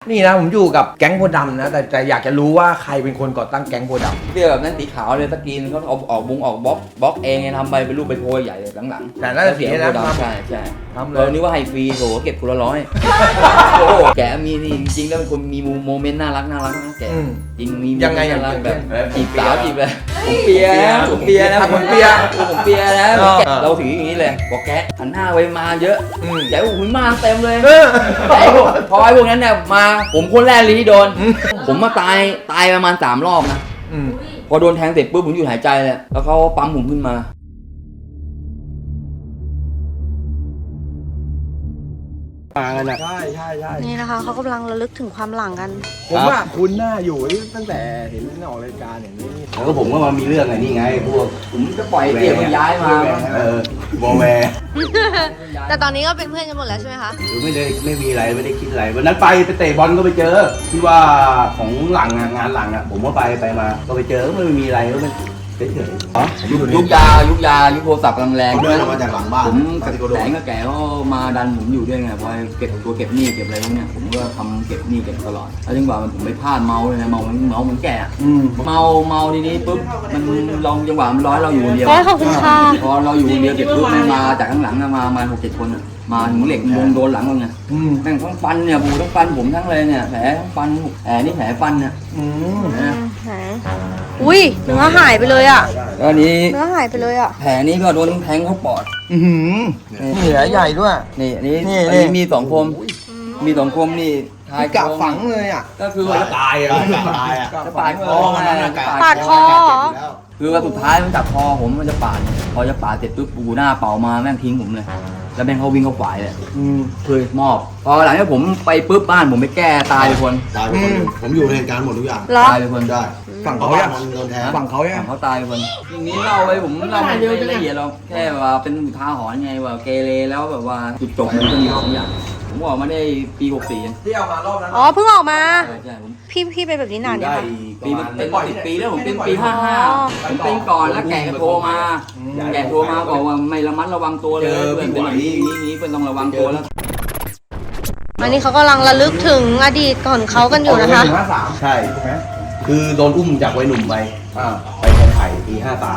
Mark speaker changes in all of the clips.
Speaker 1: นี่นะผมอยู่กับแก๊งโพธิ์ดำนะแต่อยากจะรู้ว่าใครเป็นคนก่อตั้งแก๊งโพธิ์ดำ
Speaker 2: เสื้อแบบนั้นสีขาวเลยสกรีนเขาออกบล็อกเองทำไปเป็นรูปเป็นโพยใหญ่เลยหลังๆ
Speaker 1: แต่น่าจะเสียนะ
Speaker 2: ใช่ใช่
Speaker 1: ทำเล
Speaker 2: เรา
Speaker 1: ย
Speaker 2: นี่ว่าให้ฟรีโถเก็บคนละ100โอ้แกมีนี่จริงๆแล้วเป็นคนมีโมเมนต์น่ารักนะแกจริงมี
Speaker 1: ยังไง
Speaker 2: น่ารักแบบ
Speaker 1: เออ
Speaker 2: จีบสาวจีบเลยผมเปียนะผมเปียนะ
Speaker 1: ผมเปีย
Speaker 2: ผมเปียนะเราถืออย่างนี้เลยบอกแกหันหน้าไปมาเยอะแกอุ้ยมาเต็มเลยพอไอ้พวกนั้นเนี่ยมาผมคนแรกเลยที่โดนผมมาตายประมาณ3 รอบนะพอโดนแทงเสร็จปุ๊บผมหยุดหายใจเลยแล้วเขาปั๊มผมขึ้นมา
Speaker 1: ใช่
Speaker 3: นี่นะคะเขากำลังระลึกถึงความหลังกัน
Speaker 1: ผมว่าคุณหน้าอยู่ตั้งแต่เห็นออกรายการอย่างนี้
Speaker 4: แล้วก็ผมก็มามีเรื่องไงนี่ไงพวก
Speaker 2: ผมจะปล่อยเตี่ยมันย้ายมา
Speaker 4: บอแวร์
Speaker 3: แต่ตอนนี้ก็เป็นเพื่อนกันหมดแล้วใช่ไหมคะ
Speaker 4: หรือไม่มีอะไรไม่ได้คิดอะไรวันนั้นไปเตะบอลก็ไปเจอที่ว่าของหลังงานหลังผมก็ไปมาก็ไปเจอไม่มีอะไรก็มันเฉยๆ
Speaker 2: ยุคยาโทรศัพท์กำลังแรง
Speaker 4: เดินออกมาจากหลังบ้าน
Speaker 2: ผมแสงกับแกก็มาดันผมอยู่ด้วยไงพอเก็บเก็บหนี้เก็บอะไรพวกเนี้ยผมก็ทำเก็บหนี้เก็บตลอดแล้วจังหวะผมไปพลาดเมาเลยนะเมาเหมือนแก่เมาทีนี้ปุ๊บมันลองจังหวะมันร้อยเราอยู่คนเดียว
Speaker 3: ขอบคุณค่ะ
Speaker 2: พอเราอยู่คนเดียวเสร็จปุ๊บมันมาจากข้างหลังมา6-7 คนมาถึงเหล็กวงโดนหลังเราไงแม่งทั้งฟันเนี่ยบูทั้งฟันผมทั้งเลยเนี่ยแผลทั้งฟันแผลนี่แผลฟันเนี่ย
Speaker 3: อุ้ยเนื้อหายไปเลยอ่ะ
Speaker 2: แล้วนี้
Speaker 3: เนื้อหายไปเลยอ่ะ
Speaker 2: แผลนี้ก็โดนแทงเข้าปอด
Speaker 1: นี่แหละใหญ่ด้วย
Speaker 2: นี่อันนี้
Speaker 1: นี่
Speaker 2: อันนี้มี2 คมมี2 คมนี่ทาย
Speaker 1: กะฝังเลยอ่ะ
Speaker 2: ก็คือว่า
Speaker 4: ตายอ่ะ
Speaker 2: จะปาดคอมัน
Speaker 3: ปาดคอเหรอ
Speaker 2: คือว่าสุดท้ายมันจับคอผมมันจะปาดพอจะปาดเสร็จปุ๊บปูหน้าเป่ามาแม่งทิ้งผมเลยแล้วแม่งเขาวิ่งเข้าฝ่ายเลยเคยมอบพอหลังจากผมไปปุ๊บบ้านผมไปแก้ตายไปคน
Speaker 4: ตายไปคนหนึ่งผมอยู่ในเหตุการณ์หมดทุกอย่าง
Speaker 3: เหรอ
Speaker 2: ตายไปคน
Speaker 4: ได้
Speaker 1: ฝั่งเขายัง
Speaker 4: โดนแทง
Speaker 1: ฝั่งเขายัง
Speaker 2: เขาตายไปคนอย่างนี้เล่าไปผมเล่าไม่ละเอียดหรอกแค่ว่าเป็นอุทาหรณ์ไงว่าเกเรแล้วแบบว่าจุดจบมันก็มี2 อย่างผมออกมาได้ปี64
Speaker 1: ที่เอามารอบนั้น
Speaker 3: อ๋อเพิ่งออกมา
Speaker 2: ใช่ผม
Speaker 3: พี่เป็นแบบนี้นานยัง
Speaker 4: ได้
Speaker 3: คะ
Speaker 2: ปีมันเป็น10 ปีแล้วผมเป็นปี55ผมเป็นก่อนแล้วแกก็โทรมาบอกว่าไม่ระมัดระวังตัวเลยเพื่อนเป็นอย่างนี้เพื่อนต้องระวังตัวแล้ว
Speaker 3: อันนี้เขากำลังระลึกถึงอดีตก่อนเขากันอยู่นะคะ
Speaker 4: ใช่คือโดนอุ้มจากวัยหนุ่มไปคลองไผ่ปี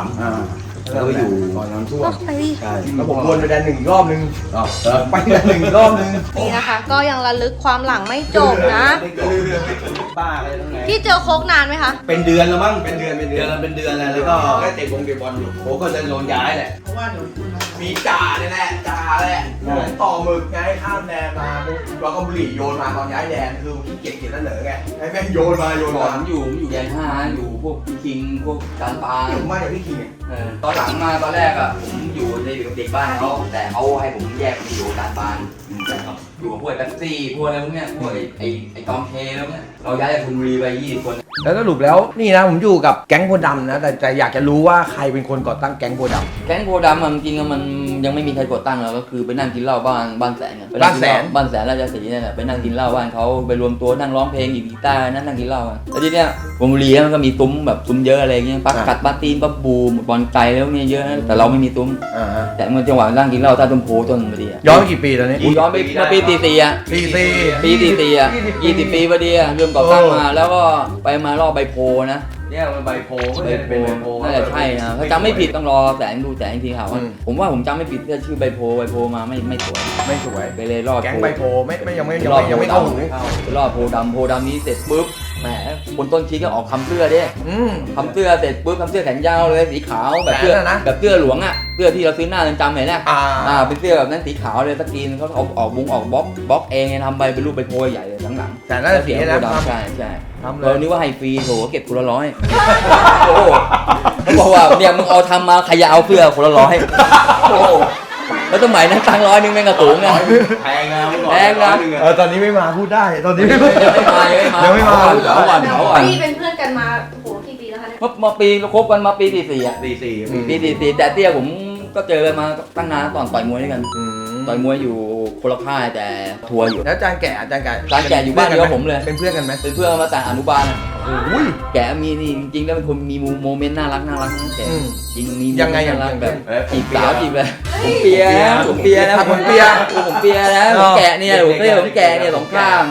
Speaker 4: 53แล้วก็อยู่ตอนนั้นช่วง
Speaker 3: ไปดิ
Speaker 4: ใช่
Speaker 1: แล้วผมวนไปแดน1 รอบนึง ไปแดน1 รอบนึง
Speaker 3: นี่นะคะ ก็ยังระลึกความหลังไม่จบนะ
Speaker 4: ป้าอะไรทั้งไง
Speaker 3: พี่เจอโค้กนานไหมคะ
Speaker 4: เป็นเดือนแล้วมั้ง
Speaker 1: เป็นเดือน
Speaker 4: แล้วก็ได้เตะบอลอยู่โค้ก็จะโดนย้ายแหละ
Speaker 1: เพราะว่าหนูมีจ่าเนี่ยแหละต่อหมึกไงข้ามแดนมาปุ๊บแล้วก็บุหรี่โยนมาตอนย้ายแดนคือขี้เกียจกินแล้วเหนอไงให้แม่งโยนมา
Speaker 2: ผมอยู่แดน5อยู่พวกคิงพวกการปลา
Speaker 1: ผมมาจากพี่คิง
Speaker 2: ตอนหลังมาตอนแรกอ่ะผมอยู่ในเด็กบ้านเขาแต่เขาให้ผมแยกไปอยู่การปลาอยู่กับพวกแท็กซี่พวกอะไรพวกเนี้ยพวกไอ้ตอมเคแล้วเนี่ยเราย้ายจากชลบุรีไป20 คน
Speaker 1: แล้วสรุปแล้วนี่นะผมอยู่กับแก๊งโพธิ์ดำนะแต่อยากจะรู้ว่าใครเป็นคนก่อตั้งแก๊งโพธิ์ดำ
Speaker 2: แก๊งโพดำจริงๆมันยังไม่มีใครกดตั้งแล้วก็คือไปนั่งกินเหล้าบ้านแสนบ้านแสนราชสีเนี่ยแหละไปนั่งกินเหล้าบ้านเขาไปรวมตัวนั่งร้องเพลงหยิบกีตาร์นั่งกินเหล้าแล้วทีเนี้ยชลบุรีมันก็มีซุ้มแบบซุ้มเยอะอะไรเงี้ยปักกัดปาตีนปักบูบอลไกลแล้วเนี่ยเยอะนะแต่เราไม่มีซุ้มแต่เมื่อจังหวะนั่งกินเหล้าใต้ต้นโพต้นพอดี
Speaker 1: ย้อนไปกี่ปีตอนนี้
Speaker 2: ย้อนไปเมื่อปี44อ่ะปี44อ่ะ20 ปีพอดีเริ่มก่อตั้งมาแล้วก็ไปมารอบใบโพนะเนี่ยมันใบโพน่าจะใช่นะถ้าจำไม่ผิดต้องรอแสงดูแสงทีครับผมว่าผมจำไม่ผิดที่ชื่อใบโพมาไม่สวยไปเลยรอด
Speaker 1: แก๊งใบโพยังไม่เข้าหู
Speaker 2: ไปรอดโพดำนี้เสร็จปุ๊บแหมคนต้นคิดก็ออกคำเสื้อดิคำเสื้อเสร็จปุ๊บคำเสื้อแขนยาวเลยสีขาวแบบเสื้อหลวงอ่ะเสื้อที่เราซื้อหน้าเรือนจำเห็นไหมเป็นเสื้อแบบนั้นสีขาวเลยสกรีนเขาออกบล็อกเองทำไปเป็นรูปใบโพใหญ่เลยหลังๆ
Speaker 1: แต่น่าจะเสียนะ
Speaker 2: ใช่
Speaker 1: ทำเล
Speaker 2: เรา
Speaker 1: ย
Speaker 2: นี่ว่าให้ฟรีโถเก็บคนละ100โอ้เขาบอกว่าเนี่ยมึงเอาทำมาใครจะเอาเสื้อคนละ100โอ้แล้วสมัยนั้นตังค์100นึงแม่งกระสูงไง
Speaker 4: แพงนะ
Speaker 1: ตอนนี้ไม่มาพูดได้ตอนนี้
Speaker 2: ยังไม่มา
Speaker 1: เขาอ่อน
Speaker 3: พี่เป็นเพื่อนกันมาโหกี่ปีแล้วคะเนี่ย
Speaker 2: มาปีเราคบกันมาปี44อ่ะ
Speaker 4: 44
Speaker 2: ปี44แต่เตี้ยผมก็เจอกันมาตั้งนานตอนต่อยมวยด้วยกันต่อยมวยอยู่คนละค่ายแต่ทัวร์อยู่
Speaker 1: แล้วอาจารย์แก่
Speaker 2: อยู่บ้านเดียวผมเลย
Speaker 1: เป็นเพื่อนกันไหม
Speaker 2: เป็นเพื่อนมาแต่อนุบาล
Speaker 1: อุ้ย
Speaker 2: แกมีนี่จริงๆแล้วเป็นคนมีโมเมนต์น่ารักนะแกจริงมี
Speaker 1: ยังไง
Speaker 2: น่ารักแบบ
Speaker 4: จี
Speaker 2: จีบสาวจีบเลยผมเปียนะผมเปียนะ
Speaker 1: ผมเปีย
Speaker 2: ผมแกะเนี่ยผมแกะเนี่ยสองข้าง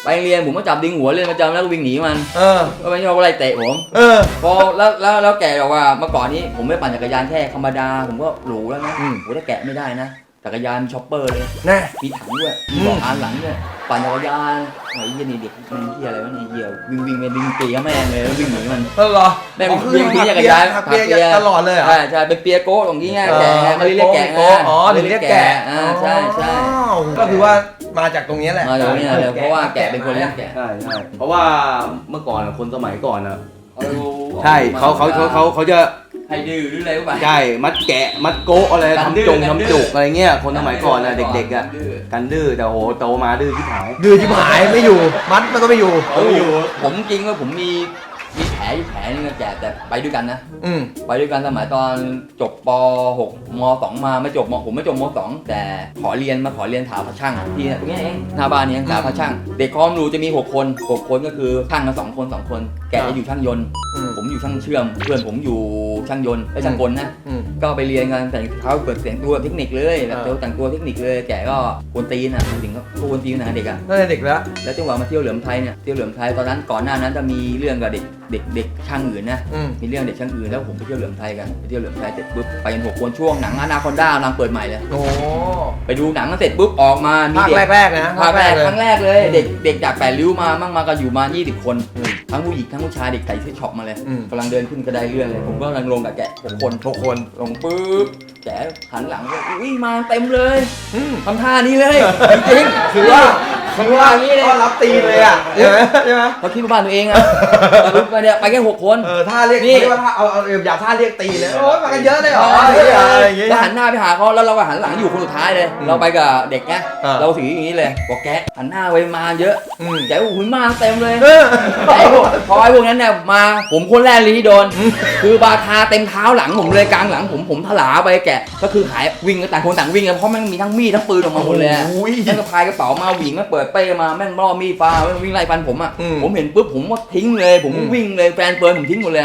Speaker 2: ไปเรียนผมก็จับดึงหัวเล่นประจำแล้วก็วิ่งหนีมัน ก็ไม่ใช่ว่าอะไรเตะผมพอแล้วแกบอกว่าเมื่อก่อนนี้ผมไม่ปั่นจักรยานแค่ธรรมดาผมก็หรูแล้วนะโอ้ถ้าแกะไม่ได้นะจักรยานช็อปเปอร์เลยมีถังด้วยมีเบาะอ่านหลังด้วยปั่นจักรยานไอ้เหี้ยนี่เด็กมันเหี้ยอะไรวะเนี่ยเหี้ยวิ่งไปดึงตีแม่งเลยแล้ววิ่งหนีมัน
Speaker 1: เหรอ
Speaker 2: แม่งวิ่งหนีจักรยาน
Speaker 1: หักเปียตลอดเลยเหรอ
Speaker 2: ใช่เป็นเปียโก้ตรงนี้ไงแกะเขาเรียกแกะ
Speaker 1: อ๋อเรียกแกะ
Speaker 2: ใช่
Speaker 1: ก็คือว่ามาจากตรงนี้แหละ
Speaker 2: มาจากตรงนี้เลยเพราะว่าแกะเป็นคนเลี้ยงแกะ
Speaker 4: ใช่เพราะว่าเมื่อก่อนคนสมัยก่อนอ่ะใช่เขาจะ
Speaker 2: ให้ดื้อหรืออะไรก็ไป
Speaker 4: ใช่มัดแกะมัดโก๊ะอะไรทำจุกอะไรเงี้ยคนสมัยก่อนอะเด็กๆอะกันดื้อแต่โหโตมาดื้อที่หาย
Speaker 1: ไม่อยู่มัดมันก็ไม่อยู่
Speaker 2: ผมจริงว่าผมมีแผลอยู่แผลนึงแกแต่ไปด้วยกันนะไปด้วยกันสมัยตอนจบป .6 ม .2 มาไม่จบผมไม่จบม .2 แต่ขอเรียนถาพระช่างที่นี่เองหน้าบ้านนี้ถาพระช่างเด็กคอมรูจะมี6 คนก็คือช่างกัน2 คนแกจะอยู่ช่างยนต์ผมอยู่ช่างเชื่อมเพื่อนผมอยู่ช่างยนต์และช่างกลนะก็ไปเรียนกันแต่งเขาเปิดเสียงตัวเทคนิคเลยแบบแต่งตัวเทคนิคเลยแกก็กวนตีนนะถึงก็กวนตีนนะเด็กอ่ะ
Speaker 1: นั่นเด็กแล้ว
Speaker 2: จังหวะมาเที่ยวเหลือมไทยเนี่ยเที่ยวเหลือมไทยตอนนั้นก่อนหน้านั้นจะมีเรื่องกับเด็กช่างอื่นนะมีเรื่องเด็กช่างอื่นแล้วผมไปเที่ยวเหลือมไทยกันไปเที่ยวเหลือมไทยเสร็จปุ๊บไปกัน6 คนช่วงหนังอนาคอนด้ากำลังเปิดใหม่เลย
Speaker 1: โอ้
Speaker 2: ไปดูหนังกันเสร็จปุ๊บออกมามี
Speaker 1: เด็กแรกนะ
Speaker 2: ภาคแรกครั้งแรกเลยเด็กจาก8 ริ้วมากันอยู่มา20 คนทั้งผู้หญิงทั้งผู้ชายเด็กใส่เสื้อช็อปมาเลยกำลังเดินขึ้นกระไดเลื่อนเลยผมก็กำลังลงกับแกะ6 คนลงปุ๊บแกะหันหลังอุ้ยมาเต็มเลยทำท่านี้เลยจริง
Speaker 1: คือว่านี้เลยรับตีเลยอ่ะใช่ไหม
Speaker 2: เขาคิดว่าบ้านตัวเองอ่ะไปเนี่ยไปแค่6 คน
Speaker 1: ท่าเรียกนี่ว่าท่าเอาอย่าท่าเรียกตีเลยโอ้ยมากันเยอะเลยเหรอ
Speaker 2: แล้วหันหน้าไปหาเขาแล้วเราก็หันหลังอยู่คนสุดท้ายเลยเราไปกับเด็กไงเราถืออย่างนี้เลยบอกแกหันหน้าไปมาเยอะแกหุ่นมาเต็มเลยพอไอ้พวกนั้นเนี่ยมาผมคนแรกเลยที่โดนคือบาคาเต็มเท้าหลังผมเลยกลางหลังผมถลาไปแกก็คือหายวิ่งต่างคนต่างวิ่งเพราะมันมีทั้งมีดทั้งปืนออกมาหมดเลยแล้วก็พายกระเป๋ามาวิ่งมาเปิดเป้มาแม่งล่อมีดฟ้าวิ่งไล่ฟันผมอ่ะผมเห็นปุ๊บผมก็ทิ้งเลยผมวิ่งเลยแฟนเฟิร์นผมทิ้งหมดเลย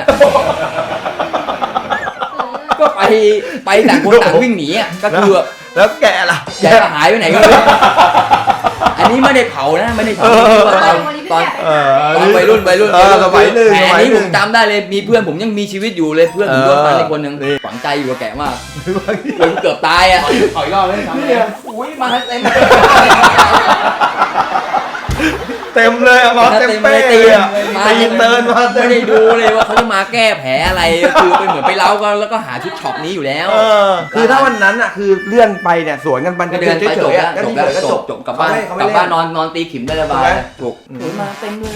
Speaker 2: ก็ไปต่างคนต่างวิ่งหนีอ่ะก็คือ
Speaker 1: แล้วแกล่ะ
Speaker 2: แกหายไปไหนก็ไม่รู้อันนี้ไม่ได้เผานะไม่ได้เผาตอนวัยรุ่นแผลนี้ผมจำได้เลยมีเพื่อนผมยังมีชีวิตอยู่เลยเพื่อนผมโดนฟันในคนหนึ่งฝังใจอยู่กับแกมากเกือบตายอ่ะ
Speaker 4: ขอยรอบเลยครับ
Speaker 2: อุ้ยมาเต็ม
Speaker 1: เลยมาเต็มเป้ตีเติร์นมา
Speaker 2: ไม่ได้ดูเลยว่าเขาจะมาแก้แผลอะไรคือไปเหมือนไปเล้ากันแล้วก็หาชุดช็อปนี้อยู่แล้ว
Speaker 1: คือถ้าวันนั้นอ่ะคือเลื่อนไปเนี่ยสวนกันมัน
Speaker 2: ก็เดินไปจบกลับบ้านนอนตีขิมได้ระบายถูกมาเต็มเลย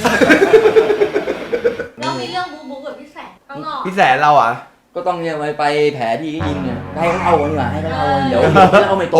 Speaker 3: แล้วมีเรื่องบู๊กับพี่แสนข้างนอก
Speaker 1: พี่แสนเราอ่ะ
Speaker 2: ก็ต้องเนี่ยไปแผลที่ยิงเนี่ยให้เขาเอาดีกว่าให้เขาเอาเดี๋ยวเอาไม่โต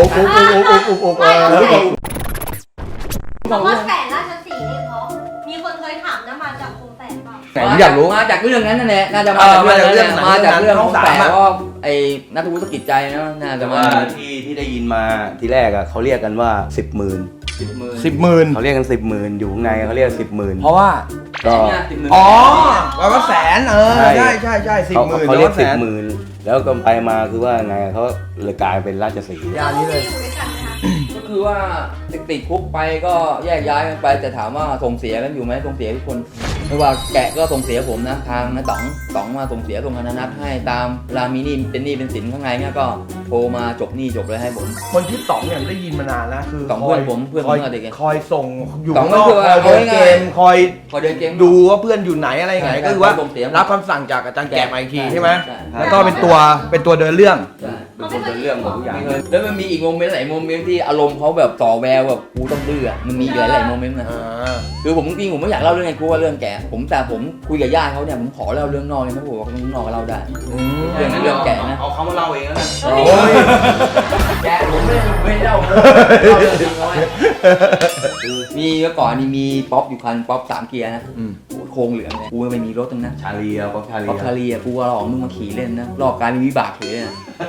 Speaker 3: คำว่าแสนราชสีห์นี่เพราะมีคนเคยถามนะมาจากคงแสนเปล่า
Speaker 1: แต่ผมอยากรู้
Speaker 2: มาจากเรื่องนั้นนั่นแหละน่าจะมาจากเรื่องของแสนเพราะไอ้นัทวุฒิกิจใจนะน่าจะมา
Speaker 4: ที่ได้ยินมาทีแรกอ่ะเขาเรียกกันว่า10,000เขาเรียกกัน10,000อยู่ไงเขาเรียก10,000
Speaker 1: เพราะว่า
Speaker 2: ก็
Speaker 1: อ๋อแล้วก็แสนใช่10,000
Speaker 4: เขาเรียก10,000แล้วก็ไปมาคือว่าไงเขาเลยกลายเป็นราชสีห์
Speaker 3: อย่างนี้เลย
Speaker 2: ก็คือว่าติดคุกไปก็แยกย้ายกันไปแต่ถามว่าส่งเสียกันอยู่ไหมส่งเสียทุกคนไม่ว่าแกะก็ส่งเสียผมนะทางนะต๋องมาส่งเสียส่งธนนัทให้ตามรามีนี่เป็นหนี้เป็นสินข้างในเนี่ยก็โทรมาจบหนี้จบเลยให้ผม
Speaker 1: คนที่ต๋องเนี่ยได้ยินมานานแล้วคือ
Speaker 2: ต๋องเพื่อนผมเ
Speaker 1: ด็กคอยส่งอยู่
Speaker 2: ข้างนอก
Speaker 1: คอยเดินเกมคอย
Speaker 2: เดินเกม
Speaker 1: ดูว่าเพื่อนอยู่ไหนอะไรไงก็คือว่ารับคำสั่งจากอาจารย์แกะมาอีกทีใช่ไหมแล้วก็เป็นตัวเดินเรื่อง
Speaker 4: เป็นคนเดินเรื่องของทุกอย่าง
Speaker 2: แล้วมันมีอีกโมเมนต์หลายโมเมนต์ที่อารมณ์เขาแบบต่อแววแบบกูต้องดื้อมันมีหลายโมเมนต์นะคือผมจริงผมไม่อยากเล่าเรื่องไงกูว่าเรื่องแกผมคุยกับญาติเขาเนี่ยผมขอเล่าเรื่องนอกเลยนะผมบอกว่าเรื่องนอกก็เล่าได้เรื่องแกนะ
Speaker 4: เอาเขามาเล่าเองแล้วนะ
Speaker 2: แกผมไม่เล่าเรื่องจริงเลยมีเมื่อก่อนนี่มีป๊อปอยู่คันป๊อป3 เกียร์นะโครงเหลืองเลยกูไม่มีรถตั้งนะ
Speaker 4: ชาลีป๊อปชาลี
Speaker 2: กูว่าหลอกมึงมาขี่เล่นนะรอบการมีวิบากขี่เล่น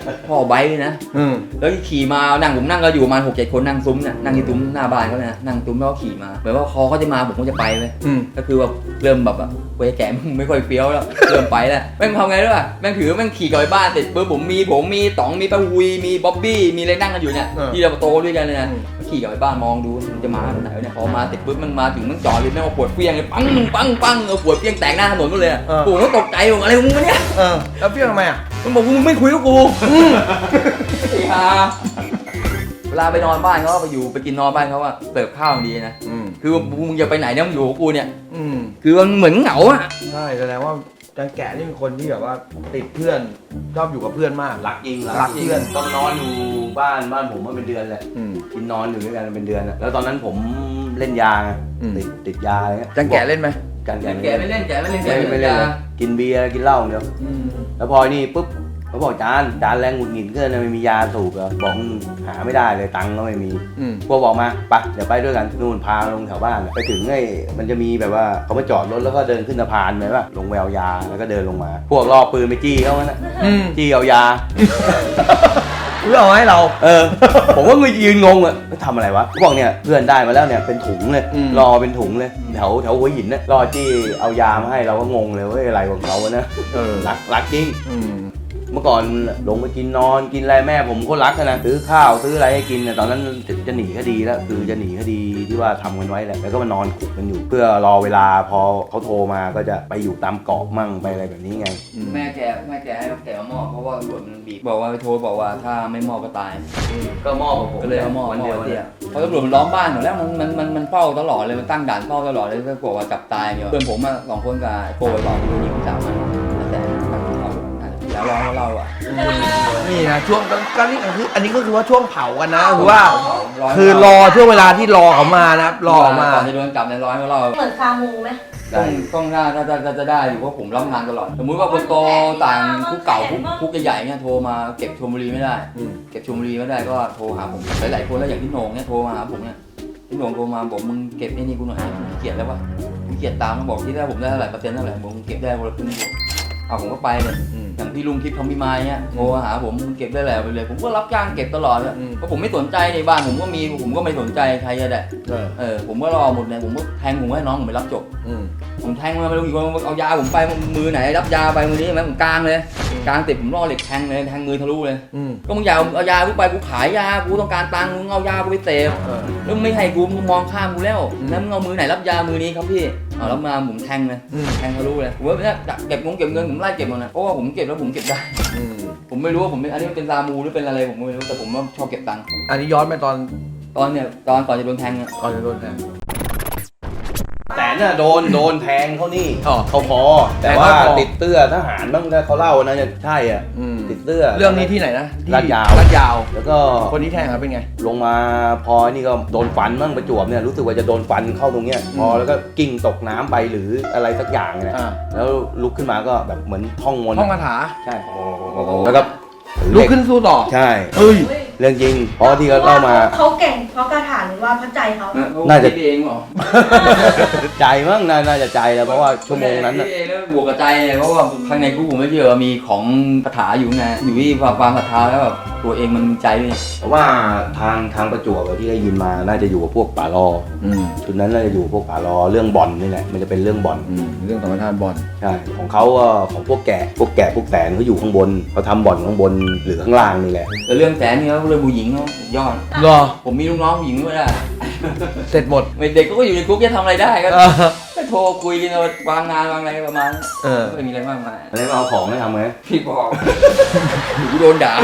Speaker 2: พ่อไบค์นะ
Speaker 1: อืม
Speaker 2: แล้วขี่มาผมนั่งก็อยู่ประมาณ6-7 คนนั่งซุ้มเนี่ยนั่งที่ซุ้มหน้าบ้านเขาเนี่ยนั่งซุ้มแล้วก็ขี่มาเหมือนว่าคอเขาจะมาผมก็จะไปเลย
Speaker 1: อืม
Speaker 2: ก็คือแบบเริ่มแบบเว้ยแกมึงไม่ค่อยเฟี้ยวแล้วเริ่มไปแล้วแม่งทำไงด้วยแม่งถือแม่งขี่กลับไปบ้านเสร็จปุ๊บผมมีต๋องมีป้าวุยมีบ๊อบบี้มีอะไรนั่งกันอยู่เนี่ยที่เราโตด้วยกันเลยนะขี่กลับไปบ้านมองดูมันจะมาตรงไหนเนี่ยพอมาเสร็จปุ๊บมันมาถึงมันจอดเลยแม่งเอาขวดเฟี้ยงเลยปังเอาขวดเฟี้ยงแตกหน้าถนนหมดเลยผมก็ตกใจผมอะไรของมึงเนี่ย
Speaker 1: แล้วเฟี้ยงทำไมอ่ะ
Speaker 2: มันบอกมึงไม่คุยกับกูไอ้ห่าเวลาไปนอนบ้านเขาไปกินนอนบ้านเขาอะเสิร์ฟข้าวดีนะคือมึงอย่าไปไหนเนี่ยมึงอยู่กับกูเนี่ยคือมันเหมือนเหงาอะ
Speaker 1: ใช่แสดงว่าจังแกะนี่เป็นคนที่แบบว่าติดเพื่อนชอบอยู่กับเพื่อนมาก
Speaker 4: รักจริง
Speaker 1: รักเพื่อน
Speaker 4: ต้องนอนอยู่บ้านผมมาเป็นเดือนแหละกินนอนอยู่ด้วยกันเป็นเดือนอะแล้วตอนนั้นผมเล่นยาไงติดยาอะไรเงี้ย
Speaker 1: จังแกะเล่นไหม
Speaker 4: กัน
Speaker 2: แกไม่เล่นแกไม่เล่น
Speaker 4: ไม่เล่นเลยกินเบียร์กินเหล้าเดียวแล้วพอนี่ปุ๊บเขาบอกจานแรงหงุดหงิดเกินนะไม่มียาสูบเหรอบอกหาไม่ได้เลยตังค์ก็ไม่มีพวกบอกมาไปเดี๋ยวไปด้วยกันนู่นพาลงแถวบ้านไปถึงไอ้มันจะมีแบบว่าเขามาจอดรถแล้วก็เดินขึ้นสะพานไปป่ะลงแววยาแล้วก็เดินลงมา พวกล่อปืนไปจี้เขานะจี้เอายา
Speaker 1: เพื่อเอาให้เรา
Speaker 4: ผมก็ยืนงงอ่ะทำอะไรวะพวกเนี่ยเพื่อนได้มาแล้วเนี่ยเป็นถุงเลยรอเป็นถุงเลยแถวหัวหินนะรอจี้เอายามาให้เราก็งงเลยว่าอะไรของเขานะรักจริงเมื่อก่อนลงไปกินนอนกินอะไรแม่ผมก็รักนะซื้อข้าวซื้ออะไรให้กินเนี่ยตอนนั้นจะหนีคดีแล้วคือจะหนีคดีที่ว่าทำกันไว้แหละแล้วก็มานอนขุกกันอยู่ เพื่อรอเวลาพอเขาโทรมาก็จะไปอยู่ตามเกาะมั่งไปอะไรแบบนี้ไง
Speaker 2: แม่แกให้แกเอาหม้อเพราะว่าตำรวจมันบีบบอกว่าไปโทรบอกว่าถ้าไม่มอบก็ตาย
Speaker 4: ก็มอบกับผม
Speaker 2: ก็เลยเอาหม้อ
Speaker 4: วันเดียว
Speaker 2: เนี่ยเพราะตำรวจมันล้อมบ้านหมดแล้วมันเฝ้าตลอดเลยมันตั้งด่านเฝ้าตลอดเลยก็กลัวว่าจับตายเนี่ยเพื่อนผมอะ2 คนกับโกยบอกมันยิงจับมันแต่แล้วร้องเราอ่ะ
Speaker 1: นี่นะช่วงก็นี่คืออันนี้ก็คือว่าช่วงเผากันนะคือว่าคือรอช่วงเวลาที่รอเขามานะครับรอมา
Speaker 2: ก่อนจะโดนจับในร้อยเรา
Speaker 3: เหมือนซามูไหม
Speaker 2: ต้องน่าจะได้อยู่เพราะผมรับงานตลอดสมมุติว่าคนโตต่างคุกเก่าคุกใหญ่ๆเนี่ยโทรมาเก็บชลบุรีไม่ได้เก็บชลบุรีไม่ได้ก็โทรหาผมหลายๆคนแล้วอย่างพี่โหน่งเนี่ยโทรมาหาผมเนี่ยพี่โหน่งโทรมาบอกมึงเก็บไอ้นี่กูหน่อยกูขี้เกียจแล้ววะกูเกียจตามมันบอกที่ได้ผมได้เท่าไหร่เปอร์เซ็นต์เท่าไหร่ผมเก็บได้คนละครึ่งผมก็ไปเลยอย่างพี่ลุงคิดทำพี่ไม้เนี่ยโทรหาผมเก็บได้แล้วไปเลยผมก็รับจ้างเก็บตลอดเลยเพราะผมไม่สนใจในบ้านผมก็มีผมก็ไม่สนใจใครจะได้ผมก็รอหมดเลยผมก็แทงผมให้น้องผมไปรับจบผมแทงมาไม่รู้กี่คนเอายาผมไปมือไหนรับยาไปมือนี้ไหมผมกลางเลยกลางติดผมล่อเหล็กแทงเลยแทงมือทะลุเลยก็มึงอยากเอายากูไปกูขายยากูต้องการตังค์มึงเอายากูไปเสพแล้วไม่ให้กูมึงมองข้ามกูแล้วแล้วมึงเอามือไหนรับยามือนี้ครับพี่เอารับมาผมแทงเลยแทงทะลุเลยผมว่าเนี่ยเก็บเงินผมไล่เก็บหมดนะเพราะว่าผมเก็บแล้วผมเก็บได้ผมไม่รู้ว่าผมอันนี้เป็นซามูหรือเป็นอะไรผมไม่รู้แต่ผมว่าชอบเก็บตังค์
Speaker 1: อันนี้ย้อนไปตอน
Speaker 2: ก่อนจะโดนแทง
Speaker 1: ก่อนจะโดนแทง
Speaker 4: แต่น่ะโดนแทงเขานี่
Speaker 1: อ๋อ
Speaker 4: เขาพอแต่ว่า
Speaker 1: แต่ว่าพอ
Speaker 4: ติดเสื้อทหารบ้างนะเขาเล่านะใช่อ่ะติดเสื้อ
Speaker 1: เรื่องนี้ที่ไหนนะที่
Speaker 4: ลาดยาว
Speaker 1: ลาดยาว
Speaker 4: แล้วก็
Speaker 1: คนที่แทงเป็นไง
Speaker 4: ลงมาพอนี่ก็โดนฟันบ้างประจวบเนี่ยรู้สึกว่าจะโดนฟันเข้าตรงเนี้ยพอแล้วก็กิ้งตกน้ำไปหรืออะไรสักอย่างเนี่ยแล้วลุกขึ้นมาก็แบบเหมือนท่องมนต์
Speaker 1: ห้องคาถา
Speaker 4: ใช่แล้วก็
Speaker 1: ลุกขึ้นสู้ต่อ
Speaker 4: ใช่
Speaker 1: เฮ้ย
Speaker 4: เรื่องจริงเพราะที่เขาเล่ามา
Speaker 3: เขาเก่งเพราะคาถาหรือว่าพระใจเขา
Speaker 4: น่าจะ
Speaker 2: คิดเองเหรอ
Speaker 4: ใจมั้งน่าจะใจแล้วเพราะว่าชั่วโมงนั้น
Speaker 2: คิ
Speaker 4: น่ะ
Speaker 2: ดเองแล้วบวกกับใจเนี่ยเพราะว่าข้างในกูผมไม่เชื่อมีของคาถาอยู่ไงอยู่ที่ความศรัทธาแล้วแบบตัวเองมันมีใจด้วย
Speaker 4: เพราะว่าทางประจวบที่ได้ยินมาน่าจะอยู่กับพวกป่ารอชุดนั้นน่าจะอยู่พวกป่ารอเรื่องบ่อนนี่แหละมันจะเป็นเรื่องบ่อน
Speaker 1: เรื่องธรรมชาติบอล
Speaker 4: ใช่ของเขาก็ของพวกแกะพวกแสนเขาอยู่ข้างบนเขาทำบ่อนข้างบนหรือข้างล่างนี่แหละ
Speaker 2: แต่เรื่องแสนนี่เขาเรื่องผู้หญิงเขายอด
Speaker 1: รอ
Speaker 2: ผมมีลูกน้องผู้หญิงด้วยนะ
Speaker 1: เสร็จหมด
Speaker 2: เด็กก็อยู่ในคุกจะทำอะไรได้ก็โทรคุยกันวางงานวางอะไรประมาณนั้นไม่มีอะไรมากมาย
Speaker 4: แล้วเอาของให้ทำไง
Speaker 2: พี่บอกหนูโดนด่า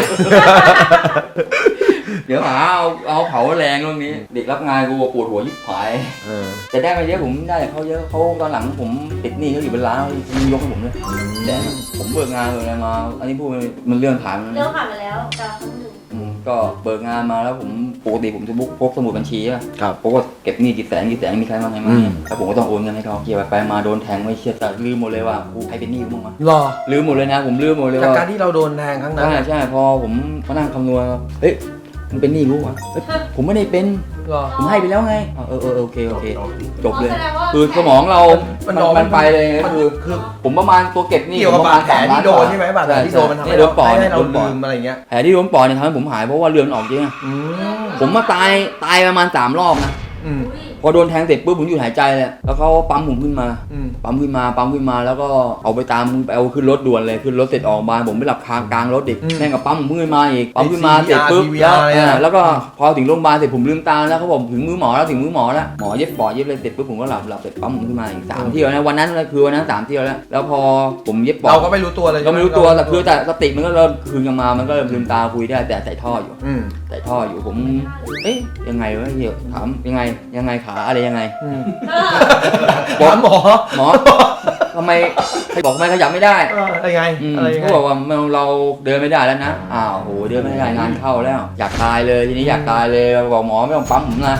Speaker 2: เดี๋ยวหาเอาเผาแรงเรื่องนี้ เด็กรับงานกูปวดหัวยิบหายแต่ได้มาเยอะผมได้เขาเยอะเขาตอนหลังผมติดหนี้เขาอยู่เป็นล้านเขายกให้ผมเลยแต่ผมเบิกงานเลยมาอันนี้พูดมันเรื่องผ่าน
Speaker 3: เรื่องผ่านไปแล้วแต่ครั้งหนึ่ง
Speaker 2: ก็เบิกงานมาแล้วผมปกติผมจะพกสมุดบัญชีอะ
Speaker 1: ครับ
Speaker 2: เพราะว่าเก็บหนี้กี่แสนมีใครบ้างไงมั้งแล้วผมก็ต้องโอนเงินให้เขาเกี่ยวไปมาโดนแทงไม่เชื่อแต่ลืมหมดเลยว่ากูใครเป็นหนี้กูบ้างวะ
Speaker 1: รอ
Speaker 2: ลืมหมดเลยนะผมลืมหมดเลย
Speaker 1: จาก
Speaker 2: ว่า
Speaker 1: การที่เราโดนแทงครั้งนั้น
Speaker 2: ใช่พอผมมานั่งคำนวณเฮ้ยมึงเป็นหนี้กูวะเอ้ยผมไม่ได้เป็น
Speaker 1: หรอ
Speaker 2: ผมให้ไปแล้วไงโอเคจบเลย
Speaker 3: แสดงว่า
Speaker 2: คือสมองเรา
Speaker 1: มัน
Speaker 2: มันไปเลย
Speaker 1: มัน
Speaker 2: คือผมประมาณตัวเก็บหนี่
Speaker 1: เกี่ยวกับบาดแผลที่โดนใช่ไหมบาดแผลที่โดนมันทำให้
Speaker 2: โดนปอด
Speaker 1: ให้เรา
Speaker 2: โดนป
Speaker 1: ลื
Speaker 2: อด
Speaker 1: มอะไรเงี้ย
Speaker 2: แผลที่โดนปอดเนี่ยทำให้ผมหายเพราะว่าเลือดมันออกเยอะ
Speaker 1: อืม
Speaker 2: ผมมาตายประมาณ3 รอบนะ
Speaker 1: อืม
Speaker 3: อุ๊ย
Speaker 2: พอโดนแทงเสร็จปุ๊บผมหยุดหายใจเลยแล้วเขาปั๊มผมขึ้นมา
Speaker 1: อืม
Speaker 2: ปั๊มขึ้นมาแล้วก็เอาไปเอาขึ้นรถด่วนเลยขึ้นรถเสร็จออกมาผมไปหลับคากลางรถอีกแม่งกับปั๊มผมขึ้นมาอีกปั๊มขึ้นมาเสร็จปุ๊บแล้วก็พอถึงโรงพยาบาลเสร็จผมลืมตาแล้วเขาบอกถึงมือหมอแล้วหมอเย็บปอดเย็บเลยเสร็จปุ๊บผมก็หลับเสร็จปั๊มผมขึ้นมาอีก3 เที่ยวนะวันนั้นคือวันนั้น3 เที่ยวแล้วพอผมเย็บปอด
Speaker 1: เราก็ไม่รู้ตัวเลย
Speaker 2: ก็ไม่รู้ตัวแต่คือแต่สติมันก็เริ่มคืนกลับมามันก็เริ่มลืมตาคุยได้แต่ใส่ท่ออยู่
Speaker 1: อืม
Speaker 2: ใส่ท่ออยู่ผมเอ๊ะยังไงวะเหี้ยถามยังไงขาอะไรยังไง
Speaker 1: อืม
Speaker 2: บอก
Speaker 1: ถามหมอ
Speaker 2: หมอทำไมบอกทำไมขยับไม่ได้
Speaker 1: อะไรไง อะไรยังไง
Speaker 2: เขาบอกว่าเราเดินไม่ได้แล้วนะอ้าวโหเดินไม่ได้งานเข้าแล้ว อยากตายเลยทีนี้อยากตายเลยบอกหมอไม่ต้องปั๊มผมนะ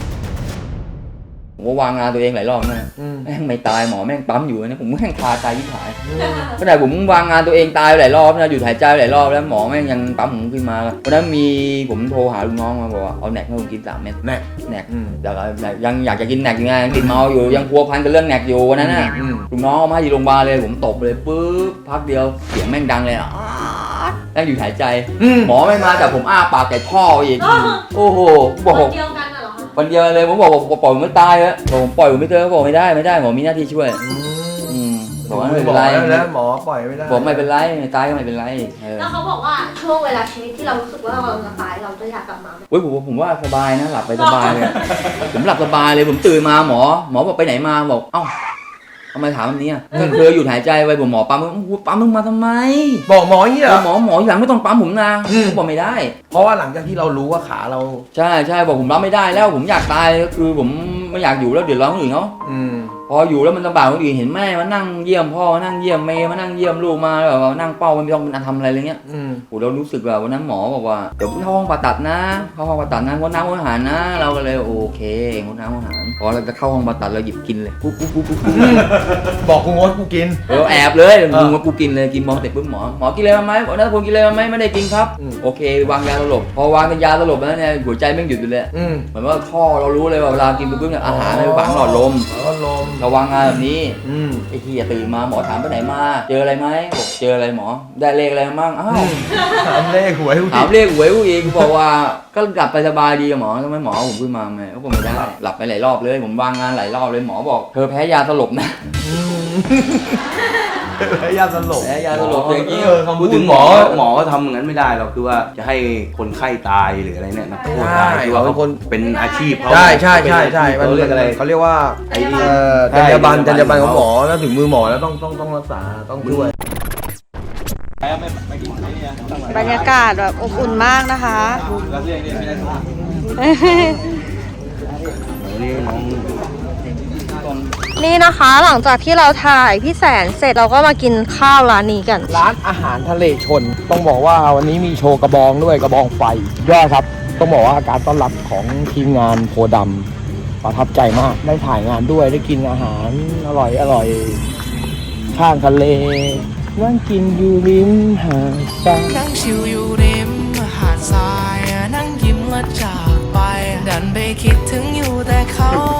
Speaker 2: ผมก็วางงานตัวเองหลายรอบนะ
Speaker 1: อืม
Speaker 2: แม่งไม่ตายหมอแม่งปั๊มอยู่นะผมแม่งคาใจยิ่งหายขนาดผมวางงานตัวเองตายหลายรอบนะหยุดหายใจหลายรอบแล้วหมอแม่งยังปั๊มผมขึ้นมาวันนั้นมีผมโทรหาลูกน้องมาบอกว่าเอาแหนกให้ผมกิน3 เม็ด
Speaker 1: แน่
Speaker 2: แหนก
Speaker 1: อืม
Speaker 2: ยังอยากจะกินแหนกอยู่ไงยังติดเมาอยู่ยังพัวพันกับเรื่องแหนกอยู่วันนั้นน่ะ
Speaker 1: อืม
Speaker 2: ลูกน้องเอามาให้ที่โรงพยาบาลเลยผมตบเลยปุ๊บพักเดียวเสียงแม่งดังเลยอ่ะแม่งหยุดหายใจ หมอไม่มาแต่ผมอ้าปากแต่ท่ออีกโอ้โหบอก
Speaker 3: คนเดียวกันน่ะเหรอคะ
Speaker 2: วันเดียวเลยผมบอกปล่อยผมไม่ตายแล้วบอกผมปล่อยผมไม่เจอบอกไม่ได้หมอมีหน้าที่ช่วยบอกว่าไม่เป็นไร
Speaker 1: แล้วหมอปล่อยไม่ได้
Speaker 2: บอกไม่เป็นไรตายก็ไม่เป็นไร
Speaker 3: แล้วเขาบอกว่าช่วงเวลาชีวิตที่เรารู้สึกว่าเราจะตายเราจะอยากกลับมาไหม
Speaker 2: เว้ยผมว่าสบายนะหลับไปสบายเลยผมหลับสบายเลยผมตื่นมาหมอบอกไปไหนมาบอกเอ้าทำไมถามแบบนี้ก็เคยหยุดหายใจไปผมหมอปั๊มมึงมาทำไม
Speaker 1: บอกหมออย่างนี้เหรอ
Speaker 2: หมออย่างไม่ต้องปั๊มผมนะผมบอกไม่ได้
Speaker 1: เพราะว่าหลังจากที่เรารู้ว่าขาเรา
Speaker 2: ใช่บอกผมรับไม่ได้แล้วผมอยากตายก็คือผมไม่อยากอยู่แล้วเดือดร้อนคนอื่นเขา
Speaker 1: อืม
Speaker 2: พออยู่แล้วมันลำบากคนอื่นเห็นแม่มานั่งเยี่ยมพ่อมานั่งเยี่ยมเมย์มานั่งเยี่ยมลูกมาแบบว่านั่งเป้าไม่ต้องทำอะไรอะไรเงี้ย
Speaker 1: อืม
Speaker 2: โหเรารู้สึกว่าวันนั้นหมอบอกว่าเดี๋ยวเข้าห้องผ่าตัดนะเข้าห้องผ่าตัดนะงดน้ำงดอาหารนะเราก็เลยโอเคงดน้ำงดอาหารพอเราจะเข้าห้องผ่าตัดเราหยิบกินเลยปุ๊บ
Speaker 1: บอกกูงดกูกิน
Speaker 2: แอบเลยมึงว่ากูกินเลยกินมองเสร็จปุ๊บหมอกินอะไรมาไหมบอกนะผมกินอะไรมาไหมไม่ได้กินครับ
Speaker 1: อืม
Speaker 2: โอเควางยาสลบพอวางยาสลบแล้วเนี่ยหัวใจแม่งหยุดอยู่เลย
Speaker 1: อืม
Speaker 2: เหมือนว่าท่อเรารู้เลยว่าเวลากินปุ๊บเนี่ยอาหารในฝังหลอดลม
Speaker 1: แล้วก็ลม
Speaker 2: เราวางงานแบบนี้
Speaker 1: อืม
Speaker 2: ไอ้เหี้ยตื่นมาหมอถามไปไหนมาเจออะไรไหมบอกเจออะไรหมอได้เลขอะไรมั่งอ้าว
Speaker 1: ถามเลขหวยกู
Speaker 2: ถามเลขหวยกูอีกกูบอกว่าก็หลับไปสบายดีกับหมอทำไมหมอเอาผมขึ้นมาไหมเขาบอกไม่ได้หลับไปหลายรอบเลยผมวางงานหลายรอบเลยหมอบอกเธอแพ้ยาสลบนะ
Speaker 1: ไอ้ยาสลบ
Speaker 2: แพ้ยาสลบอย่างนี้
Speaker 1: คำ
Speaker 4: พู
Speaker 1: พู
Speaker 4: ด
Speaker 1: ด
Speaker 4: ถึ
Speaker 1: ถึ
Speaker 4: ง
Speaker 1: ง
Speaker 4: ห
Speaker 1: ห
Speaker 4: ม
Speaker 1: ม
Speaker 4: อ
Speaker 1: อ
Speaker 4: หมอก็ทำอย่างนั้นไม่ได้หรอกคือว่าจะให้คนไข้ตายหรืออะไรเนี่ยนักโทษตายคือว่าเขาเป็นอาชีพเขา
Speaker 1: ใช่
Speaker 4: เขาเรียกอะไร
Speaker 1: เขาเรียกว่า
Speaker 3: ไอ้นี่
Speaker 1: จรรยาบรรณของหมอแล้วถึงมือหมอแล้วต้องรักษาต้องช่วย
Speaker 5: บรรยากาศแบบอบอุ่นมากนะคะ นี่นะคะหลังจากที่เราถ่ายพี่แสนเสร็จเราก็มากินข้าวร้านนี้กัน
Speaker 1: ร้านอาหารทะเลชน ต้องบอกว่าวันนี้มีโชว์กระบองด้วยกระบองไฟยอดครับ ต้องบอกว่าการต้อนรับของทีมงานโพดำประทับใจมากได้ถ่ายงานด้วยได้กินอาหารอร่อยข้างทะเลนั่งกินอยู่ริมหาดทราย
Speaker 6: นั่งชิวอยู่ริมหาดทรายนั่งยิ้มและจากไป ดันไปคิดถึงอยู่แต่เขา